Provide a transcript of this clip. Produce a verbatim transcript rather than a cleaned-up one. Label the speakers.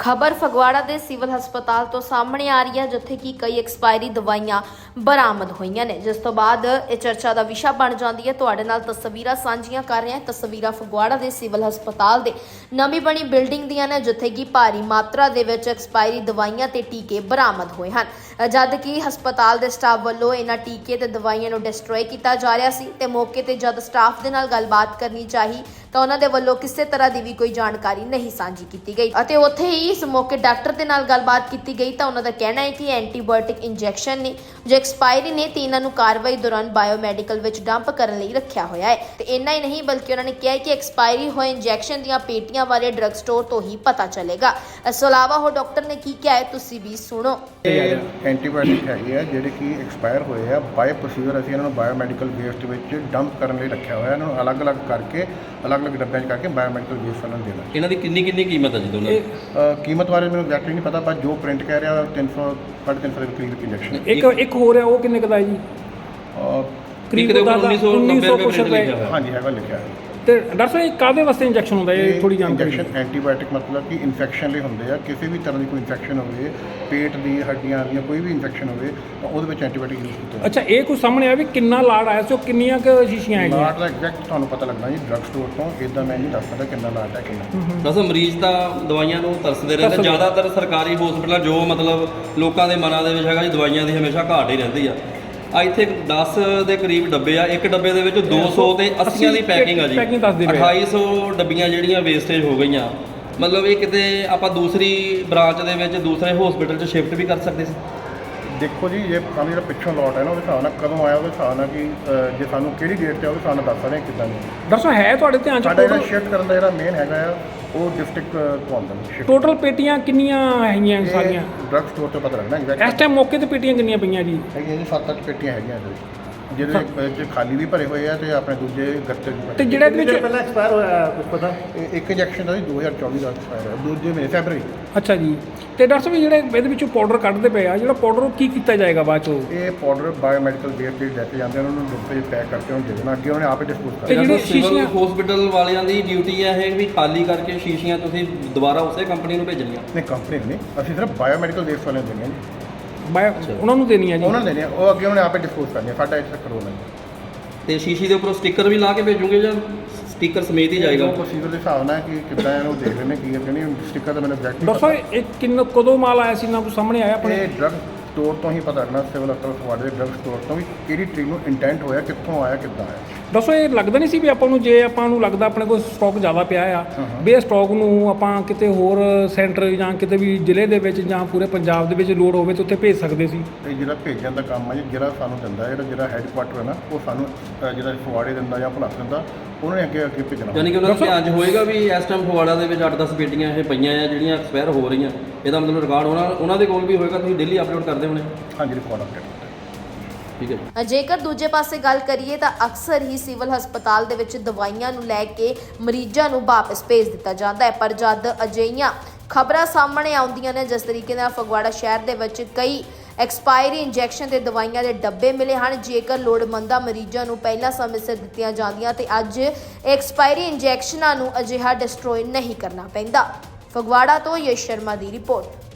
Speaker 1: ਖਬਰ ਫਗਵਾੜਾ ਦੇ ਸਿਵਲ ਹਸਪਤਾਲ ਤੋਂ ਸਾਹਮਣੇ ਆ ਰਹੀ ਹੈ, ਜਿੱਥੇ ਕਿ ਕਈ ਐਕਸਪਾਇਰੀ ਦਵਾਈਆਂ ਬਰਾਮਦ ਹੋਈਆਂ ਨੇ, ਜਿਸ ਤੋਂ ਬਾਅਦ ਇਹ ਚਰਚਾ ਦਾ ਵਿਸ਼ਾ ਬਣ ਜਾਂਦੀ ਹੈ। ਤੁਹਾਡੇ ਨਾਲ ਤਸਵੀਰਾਂ ਸਾਂਝੀਆਂ ਕਰ ਰਹੇ ਹਾਂ। ਤਸਵੀਰਾਂ ਫਗਵਾੜਾ ਦੇ ਸਿਵਲ ਹਸਪਤਾਲ ਦੇ ਨਵੀਂ ਬਣੀ ਬਿਲਡਿੰਗ ਦੀਆਂ ਨੇ, ਜਿੱਥੇ ਕਿ ਭਾਰੀ ਮਾਤਰਾ ਦੇ ਵਿੱਚ ਐਕਸਪਾਇਰੀ ਦਵਾਈਆਂ ਤੇ ਟੀਕੇ ਬਰਾਮਦ ਹੋਏ ਹਨ, ਜਦ ਕਿ ਹਸਪਤਾਲ ਦੇ ਸਟਾਫ ਵੱਲੋਂ ਇਹਨਾਂ ਟੀਕੇ ਤੇ ਦਵਾਈਆਂ ਨੂੰ ਡਿਸਟਰੋਏ ਕੀਤਾ ਜਾ ਰਿਹਾ ਸੀ ਤੇ ਮੌਕੇ ਤੇ ਜਦ ਸਟਾਫ ਦੇ ਨਾਲ ਗੱਲਬਾਤ ਕਰਨੀ ਚਾਹੀ ਤਾਂ ਉਹਨਾਂ ਦੇ ਵੱਲੋਂ ਕਿਸੇ ਤਰ੍ਹਾਂ ਦੀ ਵੀ ਕੋਈ ਜਾਣਕਾਰੀ ਨਹੀਂ ਸਾਂਝੀ ਕੀਤੀ ਗਈ ਅਤੇ ਉੱਥੇ ਹੀ ਇਸ ਮੌਕੇ ਡਾਕਟਰ ਦੇ ਨਾਲ ਗੱਲਬਾਤ ਕੀਤੀ ਗਈ ਤਾਂ ਉਹਨਾਂ ਦਾ ਕਹਿਣਾ ਹੈ ਕਿ ਐਂਟੀਬਾਇਓਟਿਕ ਇੰਜੈਕਸ਼ਨ ਨੇ ਜੋ ਐਕਸਪਾਇਰੀ ਨੇ ਤੇ ਇਹਨਾਂ ਨੂੰ ਕਾਰਵਾਈ ਦੌਰਾਨ ਬਾਇਓਮੈਡੀਕਲ ਵਿੱਚ ਡੰਪ ਕਰਨ ਲਈ ਰੱਖਿਆ ਹੋਇਆ ਹੈ ਤੇ ਇੰਨਾ ਹੀ ਨਹੀਂ ਬਲਕਿ ਉਹਨਾਂ ਨੇ ਕਿਹਾ ਕਿ ਐਕਸਪਾਇਰੀ ਹੋਏ ਇੰਜੈਕਸ਼ਨ ਦੀਆਂ ਪੇਟੀਆਂ ਬਾਰੇ ਡਰੱਗ ਸਟੋਰ ਤੋਂ ਹੀ ਪਤਾ ਚੱਲੇਗਾ। ਇਸ ਤੋਂ ਇਲਾਵਾ ਉਹ ਡਾਕਟਰ ਨੇ ਕੀ ਕਿਹਾ ਹੈ ਤੁਸੀਂ ਵੀ ਸੁਣੋ।
Speaker 2: ਇਹ ਐਂਟੀਬਾਇਓਟਿਕ ਹੈਗੇ ਆ ਜਿਹੜੇ ਕਿ ਐਕਸਪਾਇਰ ਹੋਏ ਆ ਬਾਏ ਪ੍ਰੋਸੀਜਰ ਅਸੀਂ ਇਹਨਾਂ ਨੂੰ ਬਾਇਓਮੈਡੀਕਲ ਵੇਸਟ ਵਿੱਚ ਡੰਪ ਕਰਨ ਲਈ ਰੱਖਿਆ ਹੋਇਆ। ਇਹਨਾਂ ਨੂੰ ਅਲੱਗ-ਅਲੱਗ ਕਰਕੇ ਅਲੱਗ-ਅਲੱਗ ਡੱਬਿਆਂ 'ਚ ਕਰਕੇ ਬਾਇਓਮੈਡੀਕਲ ਵੇਸਟ ਉਹਨਾਂ ਨੂੰ ਦੇਣਾ।
Speaker 3: ਇਹਨਾਂ ਦੀ ਕਿੰਨੀ ਕਿੰਨੀ ਕੀਮਤ ਹੈ ਜੀ ਦੋਨਾਂ ਦੀ?
Speaker 2: ਕੀਮਤ ਬਾਰੇ ਮੈਨੂੰ ਐਗਜ਼ੈਕਟਲੀ ਨਹੀਂ ਪਤਾ, ਪਰ ਜੋ ਪ੍ਰਿੰਟ ਕਹਿ ਰਿਹਾ ਤਿੰਨ ਸੌ ਸਾਢੇ ਤਿੰਨ ਸੌ ਦੇ ਕਰੀਬ ਇੰਜੈਕਸ਼ਨ।
Speaker 4: ਇੱਕ ਇੱਕ ਹੋ ਰਿਹਾ ਉਹ ਕਿੰਨੇ ਕੁ ਦਾ ਹੈ ਜੀ?
Speaker 3: ਕਰੀਬ ਉੱਨੀ ਸੌ ਨੱਬੇ ਰੁਪਏ ਲਿਖਿਆ
Speaker 2: ਹਾਂਜੀ ਹੈਗਾ ਲਿਖਿਆ ਹੈ।
Speaker 4: ਤੇ ਡਾਕਟਰ ਸਾਹਿਬ ਇਹ ਕਾਹਦੇ ਵਾਸਤੇ ਇੰਜੈਕਸ਼ਨ ਹੁੰਦਾ ਹੈ? ਇਹ ਥੋੜੀ ਜਾਣਕਾਰੀ।
Speaker 2: ਇੰਜੈਕਸ਼ਨ ਐਂਟੀਬਾਇਓਟਿਕ ਮਤਲਬ ਕਿ ਇਨਫੈਕਸ਼ਨ ਲਈ ਹੁੰਦੇ ਆ। ਕਿਸੇ ਵੀ ਤਰ੍ਹਾਂ ਦੀ ਕੋਈ ਇਨਫੈਕਸ਼ਨ ਹੋਵੇ, ਪੇਟ ਦੀ, ਹੱਡੀਆਂ ਦੀਆਂ ਕੋਈ ਵੀ ਇਨਫੈਕਸ਼ਨ ਹੋਵੇ ਤਾਂ ਉਹਦੇ ਵਿੱਚ ਐਂਟੀਬਾਇਓਟਿਕ ਯੂਜ਼ ਕੀਤਾ।
Speaker 4: ਅੱਛਾ, ਇਹ ਕੋਈ ਸਾਹਮਣੇ ਆਇਆ ਵੀ ਕਿੰਨਾ ਲਾੜ ਆਇਆ ਸੀ, ਉਹ ਕਿੰਨੀਆਂ ਕੁ ਸ਼ੀਸ਼ੀਆਂ ਆਈਆਂ?
Speaker 2: ਲਾਟ ਦਾ ਐਗਜ਼ੈਕਟ ਤੁਹਾਨੂੰ ਪਤਾ ਲੱਗਣਾ ਜੀ ਡਰੱਗ ਸਟੋਰ ਤੋਂ, ਇਦਾਂ ਮੈਂ ਨਹੀਂ ਦੱਸ ਸਕਦਾ ਕਿੰਨਾ ਲਾਟ ਹੈ ਕਿੰਨਾ।
Speaker 3: ਬਸ ਮਰੀਜ਼ ਤਾਂ ਦਵਾਈਆਂ ਨੂੰ ਤਰਸਦੇ ਰਹਿੰਦੇ। ਜ਼ਿਆਦਾਤਰ ਸਰਕਾਰੀ ਹਸਪਤਾਲਾਂ ਜੋ ਮਤਲਬ ਲੋਕਾਂ ਦੇ ਮਨਾਂ ਦੇ ਵਿੱਚ ਹੈਗਾ ਜੀ ਦਵਾਈਆਂ ਦੀ ਹਮੇਸ਼ਾ ਘਾਟ ਹੀ ਰਹਿੰਦੀ ਆ। ਆ ਇੱਥੇ ਦਸ ਦੇ ਕਰੀਬ ਡੱਬੇ ਆ, ਇੱਕ ਡੱਬੇ ਦੇ ਵਿੱਚ ਦੋ ਸੌ ਤੇ ਅੱਸੀਆਂ ਦੀ ਪੈਕਿੰਗ ਆ ਜੀ। ਅਠਾਈ ਸੌ ਡੱਬੀਆਂ ਜਿਹੜੀਆਂ ਵੇਸਟੇਜ ਹੋ ਗਈਆਂ, ਮਤਲਬ ਇਹ ਕਿਤੇ ਆਪਾਂ ਦੂਸਰੀ ਬ੍ਰਾਂਚ ਦੇ ਵਿੱਚ ਦੂਸਰੇ ਹਸਪੀਟਲ 'ਚ ਸ਼ਿਫਟ ਵੀ ਕਰ ਸਕਦੇ ਸੀ।
Speaker 2: ਦੇਖੋ ਜੀ ਇਹ ਕੰਮ ਜਿਹੜਾ ਪਿੱਛੋਂ ਲੋਟ ਹੈ ਨਾ, ਉਹਦੇ ਹਿਸਾਬ ਨਾਲ ਕਦੋਂ ਆਇਆ, ਉਹਦੇ ਹਿਸਾਬ ਨਾਲ ਕਿ ਜੇ ਸਾਨੂੰ ਕਿਹੜੀ ਡੇਟ 'ਤੇ ਉਹਦੇ ਹਿਸਾਬ ਨਾਲ ਦੱਸ ਸਕਦੇ ਹਾਂ ਕਿੱਦਾਂ ਨਹੀਂ।
Speaker 4: ਡਾਕਟਰ ਸਾਹਿਬ ਹੈ ਤੁਹਾਡੇ ਧਿਆਨ 'ਚ
Speaker 2: ਸਾਡਾ ਜਿਹੜਾ ਸ਼ਿਫਟ ਕਰਨ ਦਾ ਜਿਹੜਾ ਮੇਨ ਹੈਗਾ ਆ ਉਹ ਡਿਸਟ੍ਰਿਕਟ ਤੋਂ ਆਉਂਦਾ ਹੈ।
Speaker 4: ਟੋਟਲ ਪੇਟੀਆਂ ਕਿੰਨੀਆਂ ਹੈਗੀਆਂ ਸਾਰੀਆਂ?
Speaker 2: ਡਰੱਗ ਸਟੋਰ ਤੋਂ ਪਤਾ ਲੱਗਣਾ ਐਗਜ਼ੈਕਟ।
Speaker 4: ਇਸ ਟਾਈਮ ਮੌਕੇ ਤੇ ਪੇਟੀਆਂ ਕਿੰਨੀਆਂ ਪਈਆਂ ਜੀ?
Speaker 2: ਹੈਗੀਆਂ ਜੀ ਸੱਤ ਅੱਠ ਪੇਟੀਆਂ ਹੈਗੀਆਂ ਇਹਦੇ ਵਿੱਚ, ਜਿਹਦੇ ਵਿੱਚ ਖਾਲੀ ਵੀ ਭਰੇ ਹੋਏ ਆ ਤੇ ਆਪਣੇ ਦੂਜੇ ਗੱਤੇ ਵੀ।
Speaker 4: ਤੇ ਜਿਹੜਾ ਇਹਦੇ ਵਿੱਚ
Speaker 5: ਪਹਿਲਾਂ ਐਕਸਪਾਇਰ ਹੋਇਆ ਕੁਝ ਪਤਾ?
Speaker 2: ਇੱਕ ਇੰਜੈਕਸ਼ਨ ਦਾ ਜੀ ਦੋ ਹਜ਼ਾਰ ਚੌਵੀ ਦਾ ਐਕਸਪਾਇਰ ਹੋਇਆ, ਦੂਜੇ ਮਹੀਨੇ ਫੈਬਰਰੀ।
Speaker 4: ਅੱਛਾ ਜੀ। ਤੇ ਡਾਕਟਰ ਸਾਹਿਬ ਜਿਹੜੇ ਇਹਦੇ ਵਿੱਚੋਂ ਪਾਊਡਰ ਕੱਢਦੇ ਪਏ ਆ, ਜਿਹੜਾ ਪਾਊਡਰ ਉਹ ਕੀ ਕੀਤਾ ਜਾਏਗਾ ਬਾਅਦ ਚੋਂ?
Speaker 2: ਇਹ ਪਾਊਡਰ ਬਾਇਓਮੈਡੀਕਲ ਵੇਸਟ ਦੇ ਲੈ ਕੇ ਜਾਂਦੇ ਉਹਨਾਂ ਨੂੰ ਡੱਬੇ 'ਚ ਪੈਕ ਕਰਕੇ ਉਹਨੂੰ ਦੇ ਦੇਣਾ, ਅੱਗੇ ਉਹਨੇ ਆਪੇ ਡਿਸਪੋਜ਼
Speaker 4: ਤੇ
Speaker 2: ਕਰਨਾ।
Speaker 4: ਜਿਹੜੀ
Speaker 3: ਸਿਵਲ
Speaker 4: ਸ਼ੀਸ਼ੀਆਂ
Speaker 3: ਹਸਪੀਟਲ ਵਾਲਿਆਂ ਦੀ ਡਿਊਟੀ ਹੈ ਇਹ ਵੀ ਖਾਲੀ ਕਰਕੇ ਸ਼ੀਸ਼ੀਆਂ ਤੁਸੀਂ ਦੁਬਾਰਾ ਉਸੇ ਕੰਪਨੀ ਨੂੰ ਭੇਜਣੀਆਂ।
Speaker 2: ਨਹੀਂ ਕੰਪਨੀ ਨਹੀਂ, ਅਸੀਂ ਸਿਰਫ ਬਾਇਓਮੈਡੀਕਲ ਵੇਸਟ ਵਾਲਿਆਂ ਨੂੰ ਦੇਣੀ ਹੈ ਜੀ।
Speaker 4: ਬਾਇਓ ਉਹਨਾਂ ਨੂੰ ਦੇਣੀ ਆ ਜੀ?
Speaker 2: ਉਹਨਾਂ ਨੂੰ ਦੇਣੀ ਆ, ਉਹ ਅੱਗੇ ਉਹਨੇ ਆਪੇ ਡਿਸਪੋਜ਼ ਕਰਨੀ ਹੈ, ਸਾਡਾ ਇੱਥੇ ਕਰੋ ਨਹੀਂ।
Speaker 3: ਤੇ ਸ਼ੀਸ਼ੀ ਦੇ ਉੱਪਰ ਸਟicker ਵੀ ਲਾ ਕੇ ਭੇਜੋਗੇ ਜਾਂ ਸਟicker ਸਮੇਤ ਹੀ ਜਾਏਗਾ?
Speaker 2: ਉਹ ਪ੍ਰੋਸੀਜਰ ਦੇ ਹਿਸਾਬ ਨਾਲ ਕਿ ਕਿੱਦਾਂ ਇਹਨੂੰ ਦੇਖ ਲੈਣੇ ਕੀ ਹੈ ਨਹੀਂ। ਸਟicker ਤਾਂ ਮੈਨੂੰ ਐਗਜ਼ੈਕਟ
Speaker 4: ਡਾਕਟਰ ਸਾਹਿਬ ਇਹ ਕਿੰਨਾ ਕਦੋਂ ਮਾਲ ਆਇਆ ਸੀ, ਨਾ ਕੋਈ ਸਾਹਮਣੇ ਆਇਆ ਆਪਣੇ?
Speaker 2: ਇਹ ਡਰੱਗ ਸਟੋਰ ਤੋਂ ਹੀ ਪਤਾ ਲੱਗਣਾ, ਸਿਵਲ ਹਸਪਤਾਲ ਫਗਵਾੜੇ ਦੇ ਡਰੱਗ ਸਟੋਰ ਤੋਂ ਵੀ ਕਿਹੜੀ ਟ੍ਰੀਟ ਨੂੰ ਇੰਟੈਂਟ ਹੋਇਆ, ਕਿੱਥੋਂ ਆਇਆ, ਕਿੱਦਾਂ ਆਇਆ।
Speaker 4: ਦੱਸੋ ਇਹ ਲੱਗਦਾ ਨਹੀਂ ਸੀ ਵੀ ਆਪਾਂ ਨੂੰ, ਜੇ ਆਪਾਂ ਨੂੰ ਲੱਗਦਾ ਆਪਣੇ ਕੋਲ ਸਟਾਕ ਜ਼ਿਆਦਾ ਪਿਆ ਆ ਵੀ ਇਹ ਸਟਾਕ ਨੂੰ ਆਪਾਂ ਕਿਤੇ ਹੋਰ ਸੈਂਟਰ ਜਾਂ ਕਿਤੇ ਵੀ ਜ਼ਿਲ੍ਹੇ ਦੇ ਵਿੱਚ ਜਾਂ ਪੂਰੇ ਪੰਜਾਬ ਦੇ ਵਿੱਚ ਲੋੜ ਹੋਵੇ ਤਾਂ ਉੱਥੇ ਭੇਜ ਸਕਦੇ ਸੀ?
Speaker 2: ਇਹ ਜਿਹੜਾ ਭੇਜਣ ਦਾ ਕੰਮ ਹੈ ਜੀ, ਜਿਹੜਾ ਸਾਨੂੰ ਦਿੰਦਾ ਜਿਹੜਾ ਜਿਹੜਾ ਹੈੱਡਕੁਆਟਰ ਹੈ ਨਾ, ਉਹ ਸਾਨੂੰ ਅ, ਜਿਹੜਾ ਫਗਵਾੜੇ ਦਿੰਦਾ ਜਾਂ ਭੁਲੱਥ ਦਿੰਦਾ, ਉਹਨਾਂ ਨੇ ਅੱਗੇ ਅੱਗੇ ਭੇਜਣਾ।
Speaker 3: ਯਾਨੀ ਕਿ ਉਹਨਾਂ ਦਾ ਧਿਆਨ 'ਚ ਹੋਏਗਾ ਵੀ ਇਸ ਟਾਈਮ ਫਗਵਾੜਾ ਦੇ ਵਿੱਚ ਅੱਠ ਦਸ ਪੇਟੀਆਂ ਇਹ ਪਈਆਂ ਆ ਜਿਹੜੀਆਂ ਐਕਸਪਾਇਰ ਹੋ ਰਹੀਆਂ। ਇਹਦਾ ਮਤਲਬ ਰਿਕਾਰਡ ਉਹਨਾਂ ਉਹਨਾਂ ਦੇ ਕੋਲ ਵੀ ਹੋਏਗਾ, ਤੁਸੀਂ ਡੇਲੀ ਅਪਲੋਡ ਕਰਦੇ ਹੋਣੇ।
Speaker 2: ਹਾਂਜੀ ਰਿਕਾਰਡ ਅਪਡੇਟ।
Speaker 3: ਠੀਕ ਹੈ।
Speaker 1: ਜੇਕਰ ਦੂਜੇ ਪਾਸੇ ਗੱਲ ਕਰੀਏ ਤਾਂ ਅਕਸਰ ਹੀ ਸਿਵਲ ਹਸਪਤਾਲ ਦੇ ਵਿੱਚ ਦਵਾਈਆਂ ਨੂੰ ਲੈ ਕੇ ਮਰੀਜ਼ਾਂ ਨੂੰ ਵਾਪਸ ਭੇਜ ਦਿੱਤਾ ਜਾਂਦਾ ਹੈ, ਪਰ ਜਦ ਅਜਿਹੀਆਂ ਖਬਰਾਂ ਸਾਹਮਣੇ ਆਉਂਦੀਆਂ ਨੇ ਜਿਸ ਤਰੀਕੇ ਨਾਲ ਫਗਵਾੜਾ ਸ਼ਹਿਰ ਦੇ ਵਿੱਚ ਕਈ ਐਕਸਪਾਇਰੀ ਇੰਜੈਕਸ਼ਨ ਤੇ ਦਵਾਈਆਂ ਦੇ ਡੱਬੇ ਮਿਲੇ ਹਨ, ਜੇਕਰ ਲੋੜਵੰਦਾਂ ਮਰੀਜ਼ਾਂ ਨੂੰ ਪਹਿਲਾਂ ਸਮੇਂ ਸਿਰ ਦਿੱਤੀਆਂ ਜਾਂਦੀਆਂ ਤੇ ਅੱਜ ਐਕਸਪਾਇਰੀ ਇੰਜੈਕਸ਼ਨਾਂ ਨੂੰ ਅਜਿਹਾ ਡਿਸਟਰੋਏ ਨਹੀਂ ਕਰਨਾ ਪੈਂਦਾ। ਫਗਵਾੜਾ ਤੋਂ ਯਸ਼ ਸ਼ਰਮਾ ਦੀ ਰਿਪੋਰਟ।